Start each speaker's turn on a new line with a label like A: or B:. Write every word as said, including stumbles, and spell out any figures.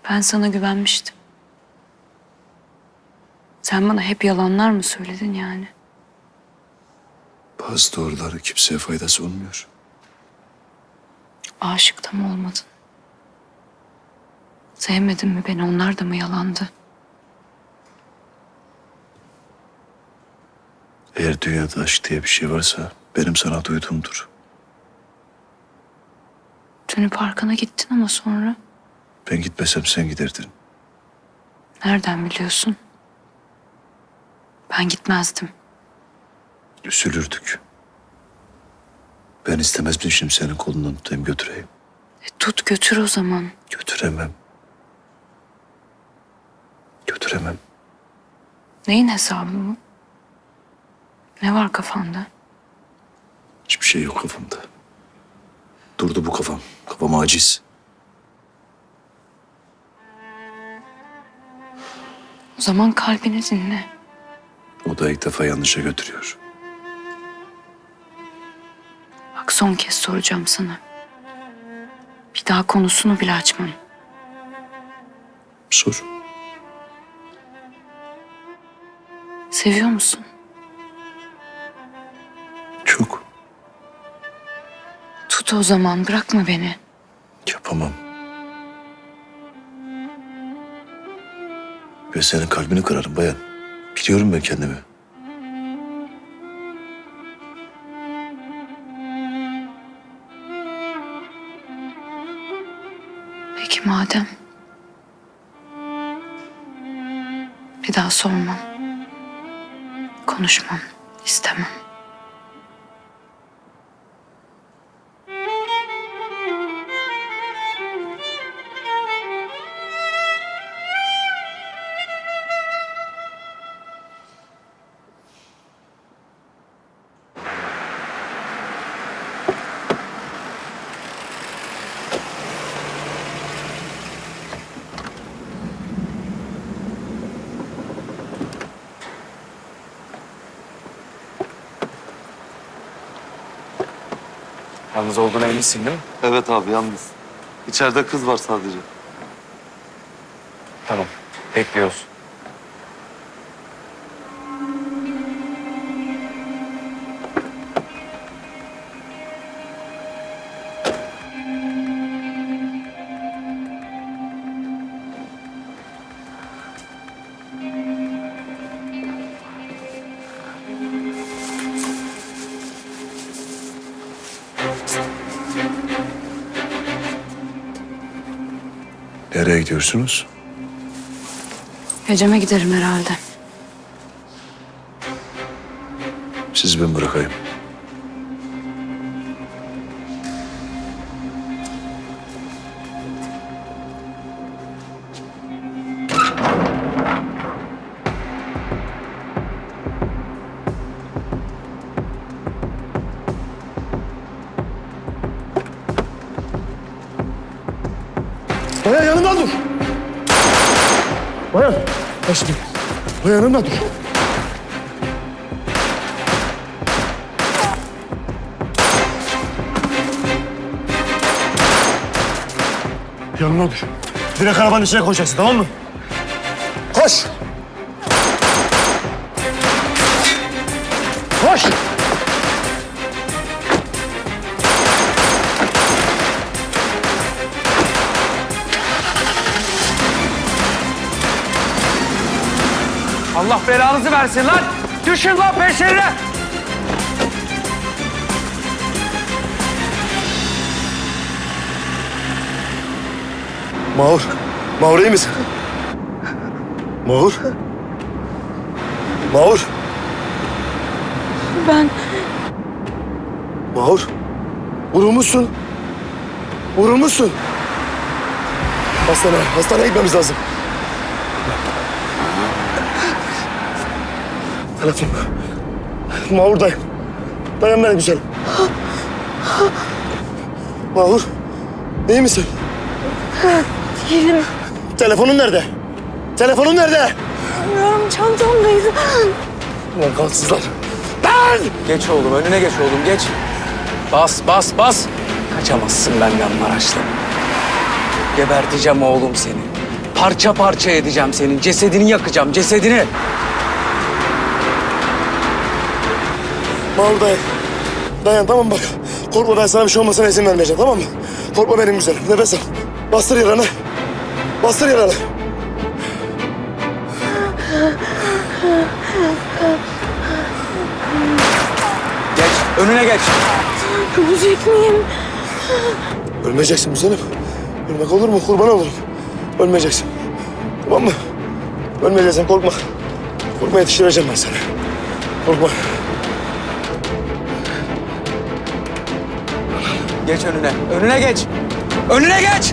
A: Ben sana güvenmiştim. Sen bana hep yalanlar mı söyledin yani?
B: Bazı doğruları kimseye faydası olmuyor.
A: Aşık da mı olmadın? Sevmedin mi beni? Onlar da mı yalandı?
B: Eğer dünyada aşk diye bir şey varsa benim sana duyduğumdur.
A: Dün parkına gittin ama sonra
B: Ben gitmesem sen giderdin.
A: nereden biliyorsun? Ben gitmezdim.
B: Üzülürdük. Ben istemezdim şimdi senin kolundan tutayım götüreyim.
A: E, tut götür o zaman.
B: Götüremem. Götüremem.
A: Neyin hesabı bu? Ne var kafanda?
B: Hiçbir şey yok kafamda. Durdu bu kafam. Kafam aciz.
A: O zaman kalbini dinle.
B: O da ilk defa yanlışa götürüyor.
A: Bak son kez soracağım sana. Bir daha konusunu bile açmam.
B: Sor.
A: Seviyor musun?
B: Çok.
A: Tut o zaman, bırakma beni.
B: Yapamam. Ben senin kalbini kırarım bayan. Biliyorum ben kendimi.
A: Peki madem. Bir daha sormam. Konuşmam. İstemem.
C: Yalnız olduğuna eminsin değil mi?
D: Evet abi yalnız. İçeride kız var sadece.
C: Tamam. Bekliyoruz.
B: Nereye gidiyorsunuz?
A: Ecem'e giderim herhalde.
B: Sizi ben bırakayım.
E: Bayan yanımda dur. Bayan. Aşkım. Bayan yanımda dur. Yanımda dur. Direkt arabanın içine koşacaksın, tamam mı? Koş. Koş.
C: Allah belanızı versin lan! Düşün lan peşlerine!
E: Mahur. Mahur iyi misin? Mahur. Mahur.
A: Ben
E: Mahur. Vurulmuşsun. Vurulmuşsun. Hastaneye, hastaneye gitmemiz lazım. Telefon. Mahur'dayım. Dayan beni güzelim. Mahur. İyi misin?
F: Değilim.
E: Telefonun nerede? Telefonun nerede?
F: Bilmiyorum, çantamdaydı.
E: Ulan kalksızlar. Ben!
C: Geç oğlum, önüne geç oğlum, geç. Bas, bas, bas. Kaçamazsın benden Maraşlı. Geberteceğim oğlum seni. Parça parça edeceğim senin. Cesedini yakacağım, cesedini.
E: Mahmut dayan. Dayan tamam bak. Korkma ben sana bir şey olmasına izin vermeyeceğim tamam mı? Korkma benim güzelim. Nefes al. Bastır yaranı. Bastır yaranı.
C: Geç, önüne geç.
F: Ölecek miyim?
E: Ölmeyeceksin güzelim. Ölmek olur mu? Kurban olurum. Ölmeyeceksin. Tamam mı? Ölmeyeceksin korkma. Korkma yetiştireceğim ben seni. Korkma.
C: Geç önüne, önüne geç. Önüne geç.